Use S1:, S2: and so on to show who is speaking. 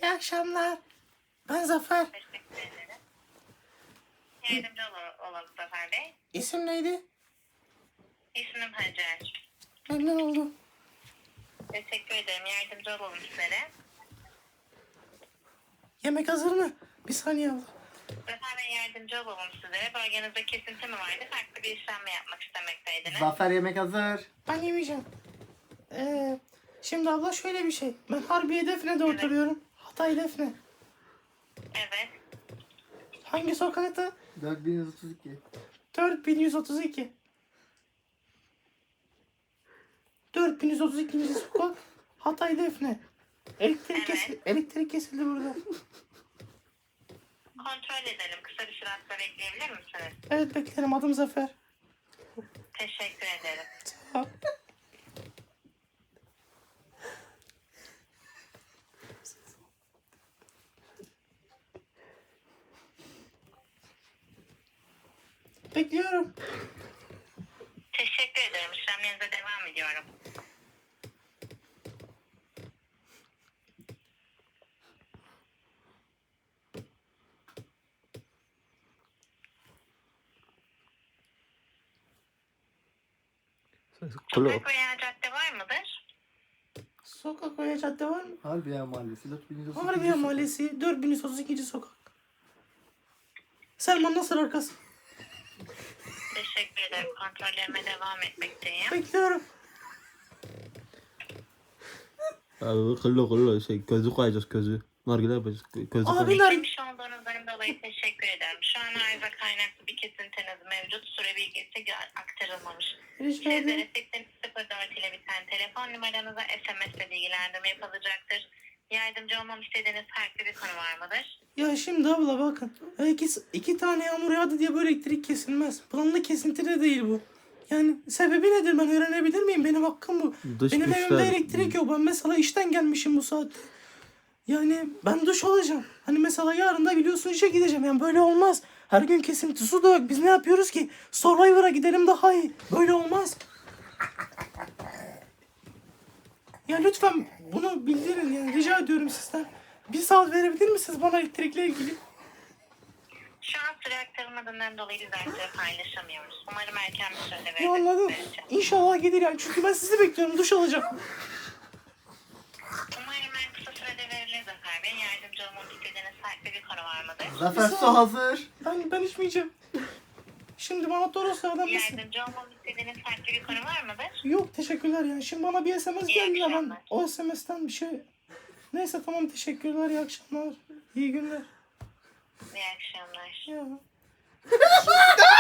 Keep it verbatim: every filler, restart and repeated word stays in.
S1: İyi akşamlar. Ben Zafer.
S2: Teşekkür ederim. Yardımcı ol- olalım Zafer Bey.
S1: İsim neydi?
S2: İsmim Hacer.
S1: Memnun oldum.
S2: Teşekkür ederim. Yardımcı olalım sizlere.
S1: Yemek hazır mı? Bir saniye abla.
S2: Zafer Bey yardımcı olalım sizlere. Bölgenizde kesinti mi vardı? Farklı bir işlem mi yapmak istemekteydiniz?
S3: Zafer yemek hazır.
S1: Ben yemeyeceğim. Ee, şimdi abla şöyle bir şey. Ben Harbiye Defne'de oturuyorum. Hatay Defne.
S2: Evet.
S1: Hangi sokakta?
S3: dört bin yüz otuz iki.
S1: dört bin yüz otuz iki. dört bin yüz otuz ikinci sokak. Hatay Defne. Elektrik,
S2: Evet.
S1: kesildi, elektrik kesildi burada.
S2: Kontrol edelim. Kısa bir süre hatta bekleyebilir misiniz?
S1: Evet beklerim. Adım Zafer.
S2: Teşekkür ederim.
S1: Sağ ol. Bekliyorum.
S2: Teşekkür ederim. İşlemlerinize devam ediyorum.
S4: Kolo.
S2: Sokak veya cadde var mıdır?
S1: Sokak veya cadde var mı?
S3: Harbiye Mahallesi dört bin yüz otuz iki.
S1: Harbiye Mahallesi dört bin yüz otuz ikinci sokak. Selman Nasır arkası.
S2: Teşekkür ederim. Kontrollerime devam etmekteyim.
S1: Bekliyorum.
S4: Abi kıllı kıllı şey gözü koyacağız gözü. Nargile yapacağız gözü
S1: Abi,
S4: koyacağız.
S1: nar-
S2: Beklemiş olduğunuzdan dolayı teşekkür ederim. Şu an arıza kaynaklı bir kesintiniz mevcut. Süre bilgisi aktarılmamış.
S1: Rica
S2: Sizlere
S1: ederim.
S2: seksen sıfır dört ile biten telefon numaranıza S M S ile bilgilendirme yapılacaktır. Yardımcı olmam istediğiniz farklı bir konu var mıdır?
S1: Ya şimdi abla bakın. Ya iki, iki tane yağmur yağdı diye böyle elektrik kesilmez. Planlı kesinti de değil bu. Yani sebebi nedir ben öğrenebilir miyim? Benim hakkım bu.
S4: Dış
S1: Benim
S4: güçler-
S1: evimde elektrik yok. Ben mesela işten gelmişim bu saatte. Yani ben duş alacağım. Hani mesela yarın da biliyorsun işe gideceğim. Yani böyle olmaz. Her gün kesinti su da yok. Biz ne yapıyoruz ki? Survivor'a gidelim daha iyi. Böyle olmaz. Ya lütfen bunu bildirin yani. Rica ediyorum sizden. Bir saat verebilir misiniz bana elektrikle ilgili?
S2: Şu an süre aktarılmadığından dolayı biz ayrıca paylaşamıyoruz. Umarım erken bir sürede
S1: Ya anladım.
S2: veririz.
S1: İnşallah gelir yani. Çünkü ben sizi bekliyorum. Duş alacağım.
S2: Umarım en kısa sürede verilir Zafer Bey. Yardımcı olmam istediğiniz farklı bir konu var mıdır?
S3: Zafer su hazır.
S1: Ben, ben içmeyeceğim. Şimdi bana Toros adam mısın?
S2: Yardımcı olmam istediğiniz farklı bir konu var mıdır?
S1: Yok teşekkürler yani. Şimdi bana bir S M S
S2: İyi
S1: geldi ya ben
S2: akşamlar.
S1: o S M S'ten bir şey... Neyse tamam teşekkürler. İyi akşamlar. İyi günler.
S2: İyi akşamlar.
S1: Ya.